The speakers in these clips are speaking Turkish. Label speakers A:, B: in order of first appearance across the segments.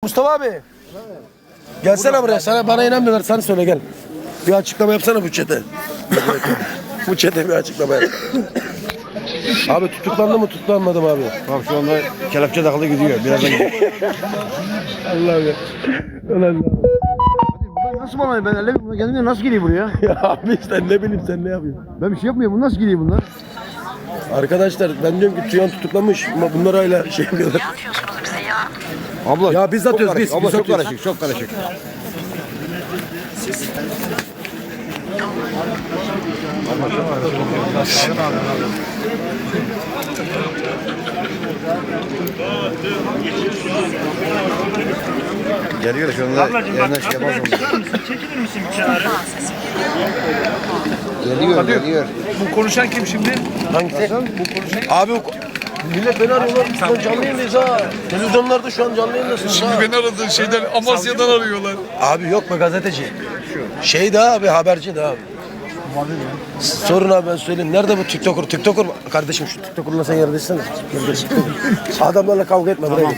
A: Mustafa abi. Gelsene buraya. Bana inanmıyorlar. Sen söyle gel. Bir açıklama yapsana bu çete. Bu çete bir açıklama yap. Abi tutuklandı mı tutuklanmadı mı abi?
B: Bak şu anda kelepçe takılı gidiyor. Birazdan gidiyor.
A: Allah'ım ya. Ulan
B: Nasıl bana ben elle gelmiyor nasıl geliyor buraya?
A: ya abi sen ne bileyim sen ne yapıyorsun?
B: Ben bir şey yapmıyorum. Bu nasıl geliyor bunlar?
A: Arkadaşlar ben diyorum ki Tüyan tutuklamış ama bunlar hala şey yapıyorlar.
B: Abla
A: Ya biz atıyoruz biz.
B: Abla
A: Biz
B: çok
A: atıyoruz.
B: karışık, çok karışık. Geliyor şu anda yerine şey yapmaz mı?
C: Çekilir misin bir kenara?
B: Geliyor.
C: Bu konuşan kim şimdi?
A: Hangisi? Abi millet beni arıyorlar. Şu an canlı yayındayız ha. Televizyonlarda şu an canlı yayındasınız ha.
D: Beni aradığın şeyden Amasya'dan arıyorlar.
A: Abi yok be gazeteci. Şey de abi haberci de abi. Sorun abi ben söyleyeyim. Nerede bu TikToker? TikToker kardeşim şu TikToker'la sen yere düşsene. Adamlarla kavga etme buraya.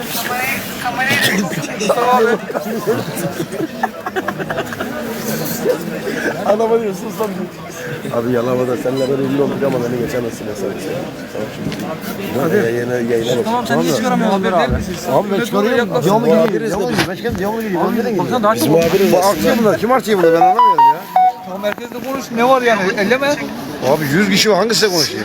A: Adama diyor sus lan. Abi Yalova'da seninle böyle ünlü olduk ama beni geçemezsin ya sen. Hadi. Yayına bak.
C: Tamam sen niye çıkaramıyorsun haberi değil misin?
B: Abi ben çıkarıyorum. Devamlı geliyor. Devamlı geliyor.
C: Baksana daha
A: Bizim
C: çok.
A: muhabiriz
B: Bu
A: aslında.
B: artıyor bunlar. Kim artıyor bunu ben anlamıyorum ya.
C: Tamam merkezde konuş. Ne var yani? Elleme.
B: Abi 100 kişi var. Hangisi konuşuyor?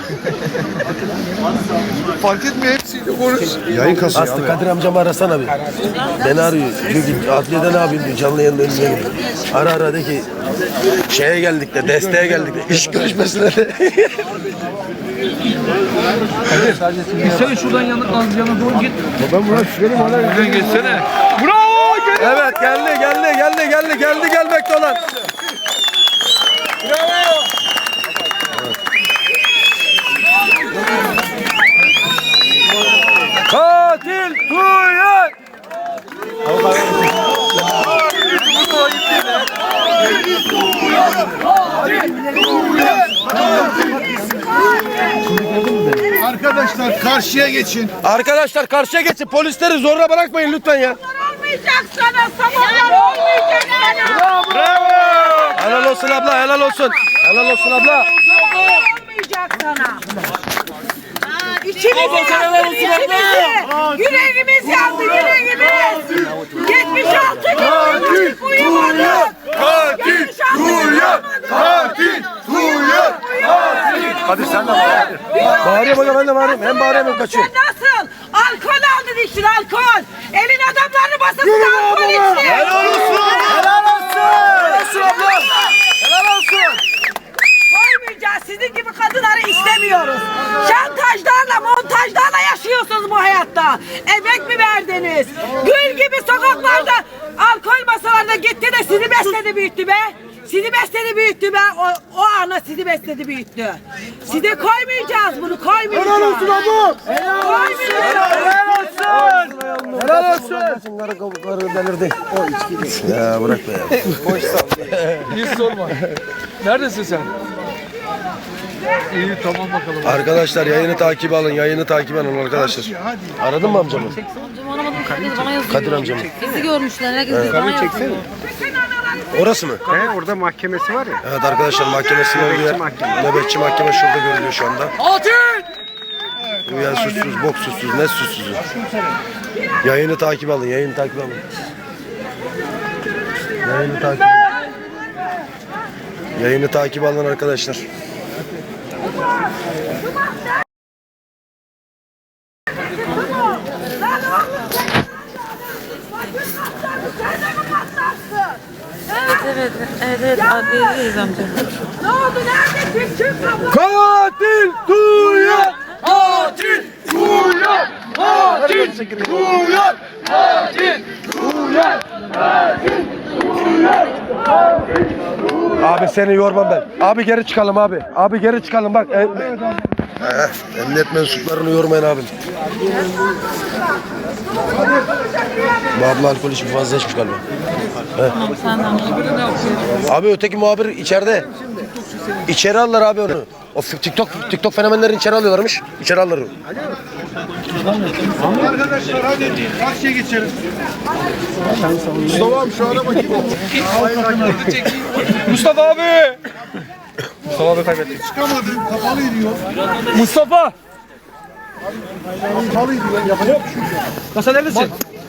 C: Fark etmiyor hepsiyle konuş.
B: Yayın kasıyor
A: Aslı
B: abi.
A: Kadir amcamı arasana bir. Beni arıyor. Diyor ki adliyede ne yapayım diyor. Canlı yayında önüne gidiyor. Ara de ki şeye geldik de desteğe geldik de iş görüşmesine de.
C: Gitsene şuradan yana doğru git.
B: Ben buna şüpheliyim hala.
C: Şuradan geçsene. Bravo!
A: Evet geldi gelmekte olan. Katil Tuğyan!
D: Arkadaşlar karşıya geçin.
A: Arkadaşlar karşıya geçin. Polisleri zorla bırakmayın lütfen ya.
E: Olmayacak sana, sabahlar olmayacak sana.
A: Helal olsun abla, helal olsun. Helal olsun abla.
E: Olmayacak sana. İçimiz yandı, yüreğimiz yandı, yüreğimiz. 76 gün uyumadık.
D: Katil Tuğyan! Katil Tuğyan!
A: Hadi sen de bağırıyor bana ben de bağırayım. Hem bağırayım hem kaçıyor.
E: Sen nasıl? Alkol aldın içtin, alkol. Elin adamlarını basasın, alkol içtin.
A: Helal olsun. Helal olsun. Helal olsun abla. Helal olsun.
E: Koymayacağız. Sizin gibi kadınları istemiyoruz. Şantajlarla, montajlarla yaşıyorsunuz bu hayatta. Emek mi verdiniz? Gül gibi sokaklarda alkol masalarına gitti de sizi besledi büyüttü be. Sizi besledi büyüttü be. O ana sizi besledi büyüttü. Size koymayacağız bunu, koymayacağız. Helal olsun abla.
A: Helal olsun. Helal olsun. Karı kabukları delirdi. O içki. Ya bırak be ya.
C: Hiç sorma. Neredesin sen? İyi tamam bakalım.
A: Arkadaşlar yayını takip alın. Yayını takip alın arkadaşlar. Aradın mı amcamı?
F: Amcam aramadım. Herkes bana yazıyor.
A: Kadir amcamı.
F: Bizi görmüşler. Herkes bana yazıyor.
A: Orası mı?
B: Orada mahkemesi var ya.
A: Evet arkadaşlar mahkemesinin olduğu yer. Nöbetçi mahkeme şurada görülüyor şu anda. Uyan suçsuz, bok suçsuz, ne suçsuzu. Yayını takip alın, yayını takip alın. Yayını takip alın. Yayını takip alın arkadaşlar.
F: Evet. Adliyedeyiz amca.
E: Ne oldu? Neredesin? Kim kabul?
A: Katil Tuğyan!
D: Katil Tuğyan! Katil Tuğyan! Katil Tuğyan!
A: Abi seni yormam ben. Abi geri çıkalım abi. Abi geri çıkalım bak. Emniyet mensuplarını yormayın abim. Bu abla alkol içmiş fazla içmiş galiba.
F: Sen de amca.
A: Abi öteki muhabir içeride. İçeri alırlar abi onu. O TikTok fenomenlerini içeri alıyorlarmış. İçeri alırlar onu.
D: Arkadaşlar hadi karşıya geçelim. Mustafa'm şu araba kim oldu?
C: Mustafa abi! Mustafa abi kaybetti.
D: Çıkamadı. Kapalıydı yol.
C: Mustafa!
D: Kapalıydı yol. Yapacak bir şey yok.
C: Lan sen neredesin?